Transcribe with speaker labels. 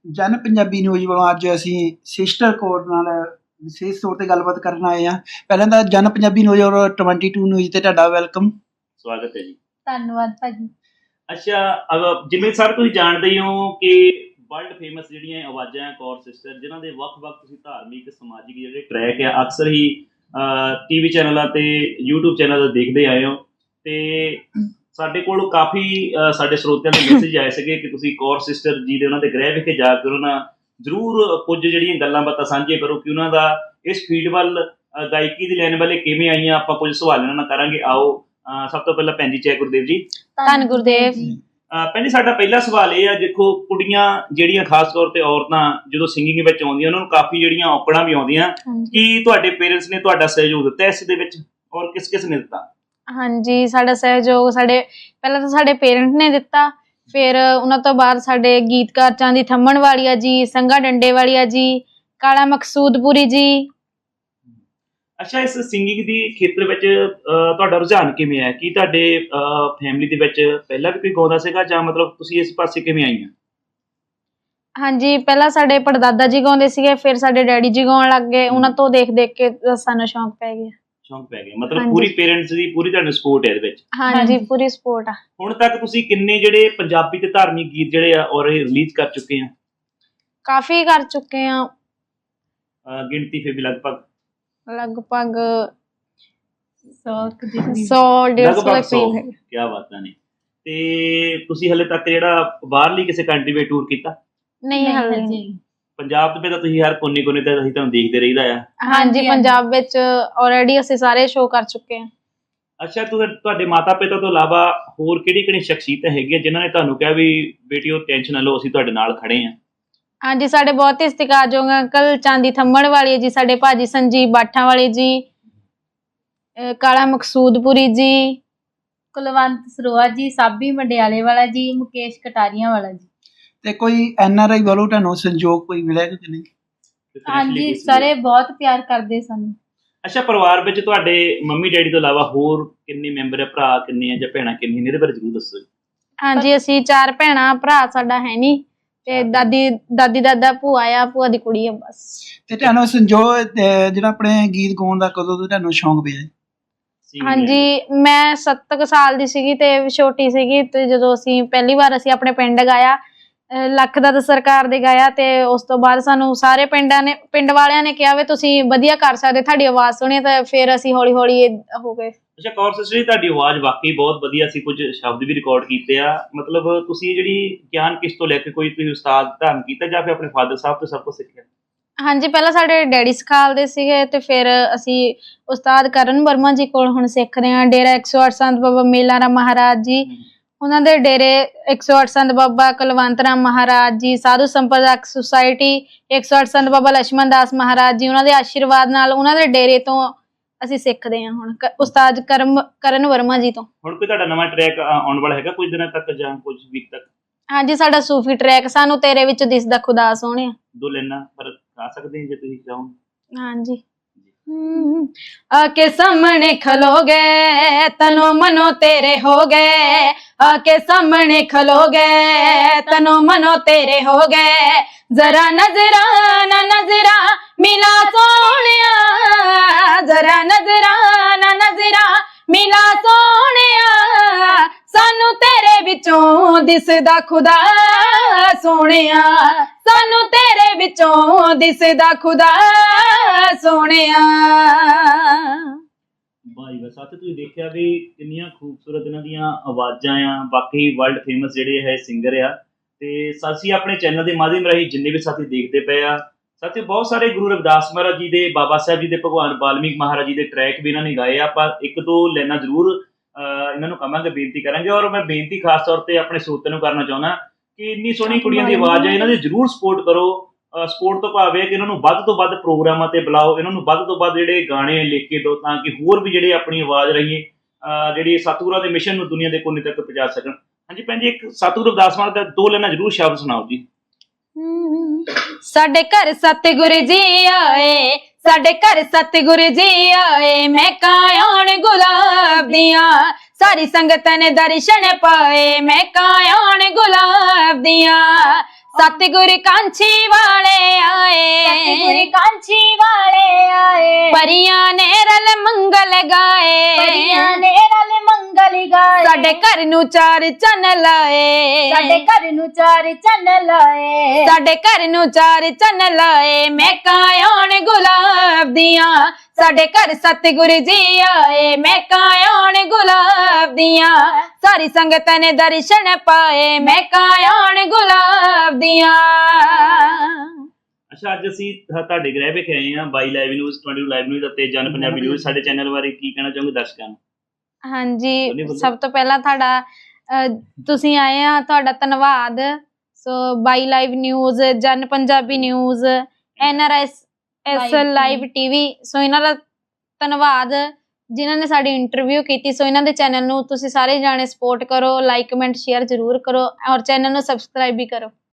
Speaker 1: ਜਨ ਪੰਜਾਬੀ ਨਿਊਜ਼ ਵੱਲੋਂ ਅੱਜ ਅਸੀਂ ਸਿਸਟਰ ਕੋਡ ਨਾਲ ਵਿਸ਼ੇਸ਼ ਤੌਰ ਤੇ ਗੱਲਬਾਤ ਕਰਨ ਆਏ ਹਾਂ। ਪਹਿਲਾਂ ਤਾਂ ਜਨ ਪੰਜਾਬੀ ਨਿਊਜ਼ ਔਰ 22 ਨਿਊਜ਼ ਤੇ ਤੁਹਾਡਾ ਵੈਲਕਮ।
Speaker 2: ਸਵਾਗਤ ਹੈ ਜੀ।
Speaker 3: ਧੰਨਵਾਦ ਭਾਜੀ।
Speaker 2: ਅੱਛਾ, ਜਿਵੇਂ ਸਰ ਤੁਸੀਂ ਜਾਣਦੇ ਹੀ ਹੋ ਕਿ ਵਰਲਡ ਫੇਮਸ ਜਿਹੜੀਆਂ ਆਵਾਜ਼ਾਂ ਕੌਰ ਸਿਸਟਰ, ਜਿਨ੍ਹਾਂ ਦੇ ਵੱਖ-ਵੱਖ ਤੁਸੀਂ ਧਾਰਮਿਕ ਸਮਾਜਿਕ ਜਿਹੜੇ ਟਰੈਕ ਆ ਅਕਸਰ ਹੀ ਟੀਵੀ ਚੈਨਲਾਂ ਤੇ YouTube ਚੈਨਲ ਦੇਖਦੇ ਆਏ ਹੋ, ਤੇ ਸਾਡੇ ਕੋਲ ਕਾਫੀ ਸਾਡੇ ਸਰੋਤਿਆਂ ਦੇ ਮੈਸੇਜ ਆਏ ਸੀਗੇ ਕਿ ਤੁਸੀਂ ਕੌਰ ਸਿਸਟਰ ਜੀ ਦੇ ਉਹਨਾਂ ਦੇ ਗ੍ਰਹਿ ਵਿਖੇ ਜਾ ਕੇ ਉਹਨਾਂ ਨਾਲ ਜ਼ਰੂਰ ਕੁਝ ਜਿਹੜੀਆਂ ਗੱਲਾਂ ਬਾਤਾਂ ਸਾਂਝੀਆਂ ਕਰੋ ਕਿ ਉਹਨਾਂ ਦਾ ਇਸ ਫੀਲਡ ਵੱਲ ਗਾਇਕੀ ਦੀ ਲੈਣ ਵਾਲੇ ਕਿਵੇਂ ਆਈਆਂ। ਆਪਾਂ ਕੁਝ ਸਵਾਲ ਇਹਨਾਂ ਨਾਲ ਕਰਾਂਗੇ। ਆਓ ਸਭ ਤੋਂ ਪਹਿਲਾਂ ਭੈਣ ਜੀ ਜੈ ਗੁਰਦੇਵ ਜੀ।
Speaker 3: ਧੰਨ ਗੁਰਦੇਵ।
Speaker 2: ਭੈਣ ਜੀ, ਸਾਡਾ ਪਹਿਲਾ ਸਵਾਲ ਇਹ ਆ, ਦੇਖੋ ਕੁੜੀਆਂ ਜਿਹੜੀਆਂ ਖਾਸ ਤੌਰ ਤੇ ਔਰਤਾਂ ਜਦੋਂ ਸਿੰਗਿੰਗ ਵਿੱਚ ਆਉਂਦੀਆਂ ਉਹਨਾਂ ਨੂੰ ਕਾਫੀ ਜਿਹੜੀਆਂ ਔਕੜਾਂ ਵੀ ਆਉਂਦੀਆਂ, ਕੀ ਤੁਹਾਡੇ ਪੇਰੈਂਟਸ ਨੇ ਤੁਹਾਡਾ ਸਹਿਯੋਗ ਦਿੱਤਾ ਇਸ ਦੇ ਵਿੱਚ ਔਰ ਕਿਸ ਕਿਸ ਨੇ ਦਿੱਤਾ?
Speaker 3: ਹਾਂਜੀ, ਸਾਡਾ ਸਹਿਯੋਗ ਪਹਿਲਾਂ ਤਾਂ ਸਾਡੇ ਪੇਰੈਂਟ ਨੇ ਦਿੱਤਾ, ਫਿਰ ਉਹਨਾਂ ਤੋਂ ਬਾਅਦ ਸਾਡੇ ਗੀਤਕਾਰ ਚਾਂਦੀ ਥੰਮਣ ਵਾਲੀਆ ਜੀ, ਸੰਗਾ ਡੰਡੇ ਵਾਲੀਆ ਜੀ, ਕਾਲਾ ਮਕਸੂਦਪੁਰੀ ਜੀ।
Speaker 2: ਅੱਛਾ, ਇਸ ਸਿੰਗਿੰਗ ਦੀ ਖੇਤਰ ਵਿੱਚ ਤੁਹਾਡਾ ਰੁਝਾਨ ਕਿਵੇਂ ਹੈ? ਕੀ ਤੁਹਾਡੇ ਫੈਮਿਲੀ ਦੇ ਵਿੱਚ ਪਹਿਲਾਂ ਵੀ ਕੋਈ ਗਾਉਂਦਾ ਸੀਗਾ ਜਾਂ ਮਤਲਬ ਤੁਸੀਂ ਇਸ ਪਾਸੇ ਕਿਵੇਂ ਆਈਆਂ?
Speaker 3: ਹਾਂਜੀ, ਪਹਿਲਾਂ ਸਾਡੇ ਪੜਦਾਦਾ ਜੀ ਗਾਉਂਦੇ ਸੀਗੇ, ਫਿਰ ਸਾਡੇ ਡੈਡੀ ਜੀ ਗਾਉਣ ਲੱਗ ਗਏ। ਉਹਨਾਂ ਤੋਂ ਦੇਖ ਦੇਖ ਕੇ ਸਾਨੂੰ ਸ਼ੌਂਕ ਪੈ ਗਿਆ।
Speaker 2: ਮਤਲਬ ਪੂਰੀ ਪੇਰੈਂਟਸ ਦੀ ਪੂਰੀ ਤੁਹਾਨੂੰ ਸਪੋਰਟ ਹੈ ਇਹਦੇ ਵਿੱਚ?
Speaker 3: ਹਾਂਜੀ, ਪੂਰੀ ਸਪੋਰਟ ਆ।
Speaker 2: ਹੁਣ ਤੱਕ ਤੁਸੀਂ ਕਿੰਨੇ ਜਿਹੜੇ ਪੰਜਾਬੀ ਤੇ ਧਾਰਮਿਕ ਗੀਤ ਜਿਹੜੇ ਆ ਔਰ ਰਿਲੀਜ਼ ਕਰ ਚੁੱਕੇ ਆ?
Speaker 3: ਕਾਫੀ ਕਰ ਚੁੱਕੇ ਆ।
Speaker 2: ਗਿਣਤੀ ਫਿਰ ਵੀ ਲਗਭਗ
Speaker 3: 100-150
Speaker 2: ਕੀ ਬਾਤਾਂ ਨੇ। ਤੇ ਤੁਸੀਂ ਹਲੇ ਤੱਕ ਜਿਹੜਾ ਬਾਹਰਲੀ ਕਿਸੇ ਕੰਟਰੀ ਵਿੱਚ ਟੂਰ ਕੀਤਾ?
Speaker 3: ਨਹੀਂ, ਹਾਲੇ ਨਹੀਂ।
Speaker 2: ਪੰਜਾਬ ਦੇ ਵਿੱਚ ਤਾਂ ਤੁਸੀਂ ਹਰ ਕੋਨੇ ਤੇ ਅਸੀਂ ਤੁਹਾਨੂੰ ਦੇਖਦੇ ਰਹੀਦਾ ਆ।
Speaker 3: ਹਾਂਜੀ, ਪੰਜਾਬ ਵਿੱਚ ਆਲਰੇਡੀ ਅਸੀਂ ਸਾਰੇ ਸ਼ੋਅ ਕਰ ਚੁੱਕੇ ਹਾਂ।
Speaker 2: ਅੱਛਾ, ਤੁਹਾਡੇ ਮਾਤਾ ਪਿਤਾ ਤੋਂ ਇਲਾਵਾ ਹੋਰ ਕਿਹੜੀ ਸ਼ਖਸੀਅਤਾਂ ਹੈਗੀਆਂ ਜਿਨ੍ਹਾਂ ਨੇ ਤੁਹਾਨੂੰ ਕਿਹਾ ਵੀ ਬੇਟੀਓ ਟੈਨਸ਼ਨ ਨਾ ਲਓ, ਅਸੀਂ ਤੁਹਾਡੇ ਨਾਲ ਖੜੇ ਹਾਂ?
Speaker 3: ਹਾਂਜੀ, ਸਾਡੇ ਬਹੁਤ ਹੀ ਸਤਿਕਾਰਯੋਗ ਅੰਕਲ ਚਾਂਦੀ ਥੰਮਣ ਵਾਲੇ ਜੀ, ਸਾਡੇ ਭਾਜੀ ਸੰਜੀਵ ਬਾਠਾਂ ਵਾਲੇ ਜੀ, ਕਾਲਾ ਮਕਸੂਦਪੁਰੀ ਜੀ,
Speaker 4: ਕੁਲਵੰਤ ਸਰੋਆ ਜੀ, ਸਾਬੀ ਮੰਡਿਆਲੇ ਵਾਲਾ ਜੀ, ਮੁਕੇਸ਼ ਕਟਾਰੀਆਂ ਵਾਲਾ ਜੀ।
Speaker 1: ਤੇ ਕੋਈ NRI ਵੱਲੋਂ ਤੁਹਾਨੂੰ ਸੰਯੋਗ ਕੋਈ ਮਿਲਿਆ ਕਿ ਨਹੀਂ?
Speaker 4: ਹਾਂਜੀ, ਸਾਰੇ ਬਹੁਤ ਪਿਆਰ ਕਰਦੇ ਸਾਨੂੰ।
Speaker 2: ਅੱਛਾ, ਪਰਿਵਾਰ ਵਿੱਚ ਤੁਹਾਡੇ ਮੰਮੀ ਡੈਡੀ ਤੋਂ ਇਲਾਵਾ ਹੋਰ ਕਿੰਨੇ ਮੈਂਬਰ ਹੈ? ਭਰਾ ਕਿੰਨੇ ਆ ਜਾਂ ਭੈਣਾਂ ਕਿੰਨੀਆਂ ਨੇ? ਇਹਦੇ ਬਾਰੇ ਜ਼ਰੂਰ ਦੱਸੋ।
Speaker 3: ਹਾਂਜੀ, ਅਸੀਂ 4 ਭੈਣਾਂ, ਭਰਾ ਸਾਡਾ ਹੈ ਨਹੀਂ, ਤੇ ਦਾਦੀ ਦਾਦਾ ਭੂਆ ਆ, ਭੂਆ ਦੀ ਕੁੜੀ ਆ ਬਸ।
Speaker 1: ਤੇ ਤੁਹਾਨੂੰ ਸੰਯੋਗ ਜਿਹੜਾ ਆਪਣੇ ਗੀਤ ਗਾਉਣ ਦਾ ਕਦੋਂ ਤੋਂ ਤੁਹਾਨੂੰ ਸ਼ੌਂਕ ਪਿਆ?
Speaker 3: ਹਾਂਜੀ, ਮੈਂ 7 ਕੁ ਸਾਲ ਦੀ ਸੀਗੀ ਤੇ ਛੋਟੀ ਸੀਗੀ, ਤੇ ਜਦੋਂ ਅਸੀਂ ਪਹਿਲੀ ਵਾਰ ਅਸੀਂ ਆਪਣੇ ਪਿੰਡ ਗਾਇਆ, ਲੱਖ ਦਾ ਸਰਕਾਰ ਦੇ ਗਾਇਆ, ਤੇ ਉਸ ਤੋਂ ਬਾਅਦ ਸਾਨੂੰ ਸਾਰੇ ਪਿੰਡ ਵਾਲਿਆਂ ਨੇ ਕਿਹਾ ਵੀ ਤੁਸੀਂ ਵਧੀਆ ਕਰ ਸਕਦੇ, ਤੁਹਾਡੀ ਆਵਾਜ਼ ਸੁਣੀ, ਤਾਂ ਫਿਰ ਅਸੀਂ ਹੌਲੀ ਹੌਲੀ ਹੋ ਗਏ।
Speaker 2: ਅੱਛਾ ਕੌਰ ਸਿਸਟਰ ਜੀ, ਤੁਹਾਡੀ ਆਵਾਜ਼ ਵਾਕਈ ਬਹੁਤ ਵਧੀਆ ਸੀ। ਕੁਝ ਸ਼ਬਦ ਵੀ ਰਿਕਾਰਡ ਕੀਤੇ ਆ। ਮਤਲਬ ਤੁਸੀਂ ਜਿਹੜੀ ਗਿਆਨ ਕਿਸ ਤੋਂ ਲੈ ਕੇ, ਕੋਈ ਤੁਸੀਂ ਉਸਤਾਦ ਧਾਰਨ ਕੀਤਾ ਜਾਂ ਫਿਰ ਆਪਣੇ ਫਾਦਰ ਸਾਹਿਬ ਤੋਂ ਸਭ ਕੁਝ ਸਿੱਖਿਆ?
Speaker 3: ਹਾਂਜੀ, ਪਹਿਲਾਂ ਸਾਡੇ ਡੈਡੀ ਸਿਖਾਲਦੇ ਸੀਗੇ, ਤੇ ਫਿਰ ਅਸੀਂ ਉਸਤਾਦ ਕਰਨ ਵਰਮਾ ਜੀ ਕੋਲ ਹੁਣ ਸਿੱਖਦੇ ਹਾਂ। ਡੇਰਾ 108 ਸੰਤ ਬਾਬਾ ਮੇਲਾ ਰਾਮ ਮਹਾਰਾਜ ਜੀ, ਉਹਨਾਂ ਦੇ ਡੇਰੇ 108 ਸੰਤ ਬਾਬਾ ਕੁਲਵੰਤ ਰਾਮ ਮਹਾਰਾਜ ਜੀ, ਸਾਧੂ ਸੰਪਰਦਾਇਕ ਸੁਸਾਇਟੀ 108 ਸੰਤ ਬਾਬਾ ਲక్ష్మణ ਦਾਸ ਮਹਾਰਾਜ ਜੀ, ਉਹਨਾਂ ਦੇ ਆਸ਼ੀਰਵਾਦ ਨਾਲ ਉਹਨਾਂ ਦੇ ਡੇਰੇ ਤੋਂ ਅਸੀਂ ਸਿੱਖਦੇ ਹਾਂ ਹੁਣ ਉਸਤਾਦ ਕਰਨ ਵਰਮਾ ਜੀ ਤੋਂ। ਹੁਣ
Speaker 2: ਕੋਈ ਤੁਹਾਡਾ ਨਵਾਂ ਟਰੈਕ ਆਉਣ ਵਾਲਾ ਹੈਗਾ ਕੁਝ ਦਿਨਾਂ ਤੱਕ ਜਾਂ ਕੁਝ ਵੀਕ ਤੱਕ?
Speaker 3: ਹਾਂਜੀ, ਸਾਡਾ ਸੂਫੀ ਟਰੈਕ ਸਾਨੂੰ ਤੇਰੇ ਵਿੱਚ ਦਿਸਦਾ ਖੁਦਾ ਸੋਹਣਿਆ।
Speaker 2: 2 ਲਾਈਨਾਂ ਪਰ ਗਾ ਸਕਦੇ ਹਾਂ ਜੇ ਤੁਸੀਂ ਚਾਹੋ?
Speaker 3: ਹਾਂਜੀ। आके सामने खलोगे तनो मनो तेरे हो गए, आके सामने खलोगे तनो मनो तेरे हो गए, जरा नजराना नजरा मिला सोनिया, जरा नजराना नजरा मिला सोनिया, सानू तेरे विचों दिसदा खुदा सोनिया, सानू तेरे विचों दिसदा खुदा सोनिया।
Speaker 2: ਵਾਹ ਜੀ, ਸਾਥੀ ਤੁਸੀਂ ਦੇਖਿਆ ਵੀ ਕਿੰਨੀਆਂ ਖੂਬਸੂਰਤ ਇਹਨਾਂ ਦੀਆਂ ਆਵਾਜ਼ਾਂ ਆ। ਬਾਕੀ ਵਰਲਡ ਫੇਮਸ ਜਿਹੜੇ ਹੈ ਸਿੰਗਰ ਆ। ਤੇ ਅਸੀਂ ਆਪਣੇ ਚੈਨਲ ਦੇ ਮਾਧਿਅਮ ਰਾਹੀਂ ਜਿੰਨੇ ਵੀ ਸਾਥੀ ਦੇਖਦੇ ਪਏ ਆ, ਸਾਥੀ ਬਹੁਤ ਸਾਰੇ ਗੁਰੂ ਰਵਿਦਾਸ ਮਹਾਰਾਜ ਜੀ ਦੇ, ਬਾਬਾ ਸਾਹਿਬ ਜੀ ਦੇ, ਭਗਵਾਨ ਵਾਲਮੀਕ ਮਹਾਰਾਜ ਜੀ ਦੇ ਟਰੈਕ ਵੀ ਇਹਨਾਂ ਨੇ ਗਾਏ ਆ। ਆਪਾਂ 1-2 ਲਾਈਨਾਂ ਜ਼ਰੂਰ ਇਹਨਾਂ ਨੂੰ ਕਹਾਂਗੇ, ਬੇਨਤੀ ਕਰਾਂਗੇ। ਔਰ ਮੈਂ ਬੇਨਤੀ ਖਾਸ ਤੌਰ ਤੇ ਆਪਣੇ ਸਰੋਤਿਆਂ ਨੂੰ ਕਰਨਾ ਚਾਹੁੰਦਾ ਕਿ ਇੰਨੀ ਸੋਹਣੀ ਕੁੜੀਆਂ ਦੀ ਆਵਾਜ਼ ਹੈ, ਇਹਨਾਂ ਦੀ ਜ਼ਰੂਰ ਸਪੋਰਟ ਕਰੋ। ਸਪੋਰਟ ਤੋਂ ਭਾਵ ਹੈ ਕਿ ਇਹਨਾਂ ਨੂੰ ਵੱਧ ਤੋਂ ਵੱਧ ਪ੍ਰੋਗਰਾਮਾਂ ਤੇ ਬੁਲਾਓ, ਇਹਨਾਂ ਨੂੰ ਵੱਧ ਤੋਂ ਵੱਧ ਜਿਹੜੇ ਗਾਣੇ ਲਿਖ ਕੇ ਦਿਓ, ਤਾਂ ਕਿ ਹੋਰ ਵੀ ਜਿਹੜੇ ਆਪਣੀ ਆਵਾਜ਼ ਰਾਹੀਂ ਜਿਹੜੀ ਸਤਿਗੁਰਾਂ ਦੇ ਮਿਸ਼ਨ ਨੂੰ ਦੁਨੀਆ ਦੇ ਕੋਨੇ ਤੱਕ ਪਹੁੰਚਾ ਸਕਣ। ਹਾਂਜੀ ਭੈਣ ਜੀ, ਇੱਕ ਸਤਿਗੁਰੂ ਰਵਿਦਾਸ ਮਹਾਰਾਜ ਦਾ 2 ਲਾਈਨਾਂ ਜ਼ਰੂਰ ਸ਼ਬਦ ਸੁਣਾਓ ਜੀ।
Speaker 3: ਸਾਡੇ ਘਰ ਸਤਿਗੁਰੂ ਜੀ ਆਏ, ਸਾਡੇ ਘਰ ਸਤਿਗੁਰੂ ਜੀ ਆਏ, ਮੈਂ ਕਾਇਣ ਗੁਲਾਬ ਦੀਆਂ, ਸਾਰੀ ਸੰਗਤ ਨੇ ਦਰਸ਼ਨ ਪਾਏ, ਮੈਂ ਕਾਇਣ ਗੁਲਾਬ ਦੀਆਂ, ਸਤਿਗੁਰ ਕਾਂਛੀ ਵਾਲੇ
Speaker 4: ਸਤਿਗੁਰ
Speaker 3: ਆਏ
Speaker 4: ਕਾਂਛੀ ਵਾਲੇ ਆਏ
Speaker 3: ਪਰੀਆਂ ਨੇ ਰਲ ਮੰਗਲ ਗਾਏ
Speaker 4: ਪਰੀਆਂ ਨੇ ਰਲ ਮੰਗਲ ਗਾਏ
Speaker 3: ਸਾਡੇ ਘਰ ਨੂੰ ਚਾਰ ਚੰਨ ਲਾਏ
Speaker 4: ਸਾਡੇ ਘਰ ਨੂੰ ਚਾਰ ਚੰਨ ਲਾਏ
Speaker 3: ਸਾਡੇ ਘਰ ਨੂੰ ਚਾਰ ਚੰਨ ਲਾਏ ਮਹਿਕਾਂ ਆਉਣ ਗੁਲਾਬ ਦੀਆਂ ਸਾਡੇ ਘਰ ਸਤਿਗੁਰ ਜੀ ਆਏ ਮਹਿਕਾਂ ਆਉਣ ਗੁਲਾਬ ਦੀਆਂ ਸਾਰੀ ਸੰਗਤ ਨੇ ਦਰਸ਼ਨ ਪਾਏ ਮਹਿਕਾਂ ਆਉਣ ਗੁਲਾਬ ਦੀਆਂ।
Speaker 2: ਅੱਛਾ, ਅੱਜ ਅਸੀਂ ਤੁਹਾਡੇ ਗ੍ਰਹਿ ਵਿਖੇ ਆਏ ਹਾਂ, ਬਾਈ ਲਾਈਵ ਨਿਊਜ਼, 22 ਲਾਈਵ ਨਿਊਜ਼ ਅਤੇ ਜਨ ਪੰਜਾਬੀ ਨਿਊਜ਼। ਸਾਡੇ ਚੈਨਲ ਬਾਰੇ ਕੀ ਕਹਿਣਾ ਚਾਹੋਗੇ ਦਰਸ਼ਕਾਂ ਨੂੰ?
Speaker 3: ਹਾਂਜੀ, ਸਭ ਤੋਂ ਪਹਿਲਾਂ ਤੁਹਾਡਾ ਤੁਸੀਂ ਆਏ ਆ, ਤੁਹਾਡਾ ਧੰਨਵਾਦ। ਸੋ ਬਾਈ live news, Jan Punjabi news, NRS live TV, so ਇਹਨਾਂ ਦਾ ਧੰਨਵਾਦ ਜਿਨ੍ਹਾਂ ਨੇ ਸਾਡੀ ਇੰਟਰਵਿਊ ਕੀਤੀ। ਸੋ ਇਹਨਾਂ ਦੇ ਚੈਨਲ ਨੂੰ ਤੁਸੀਂ ਸਾਰੇ ਜਾਣੇ ਸਪੋਰਟ ਕਰੋ, ਲਾਈਕ ਕਮੈਂਟ ਸ਼ੇਅਰ ਜ਼ਰੂਰ ਕਰੋ ਔਰ ਚੈਨਲ ਨੂੰ ਸਬਸਕ੍ਰਾਈਬ ਵੀ ਕਰੋ।